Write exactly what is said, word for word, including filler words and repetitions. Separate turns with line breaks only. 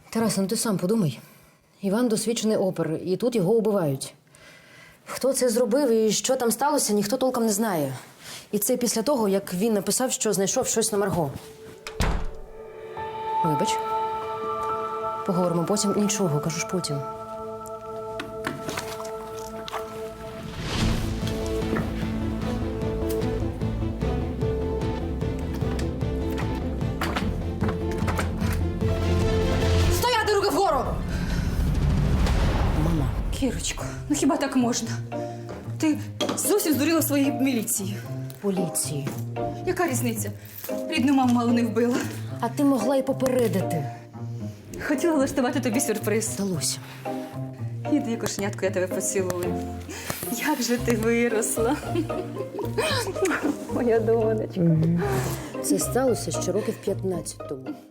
Тарасе, ну ти сам подумай. Іван досвідчений опер, і тут його убивають. Хто це зробив і що там сталося, ніхто толком не знає. І це після того, як він написав, що знайшов щось на Марго. Вибач. Поговоримо потім. Нічого, кажу ж потім. Стояти, руки вгору! Мама.
Кірочко, ну хіба так можна? Ти зовсім здуріла своєї міліції.
Поліції.
Яка різниця? Рідну маму мало не вбила.
А ти могла й попередити.
Хотіла влаштувати тобі сюрприз.
Вдалося.
Іди, кошенятко, я тебе поцілую. Як же ти виросла. Моя донечка.
Це сталося ще років п'ятнадцять тому.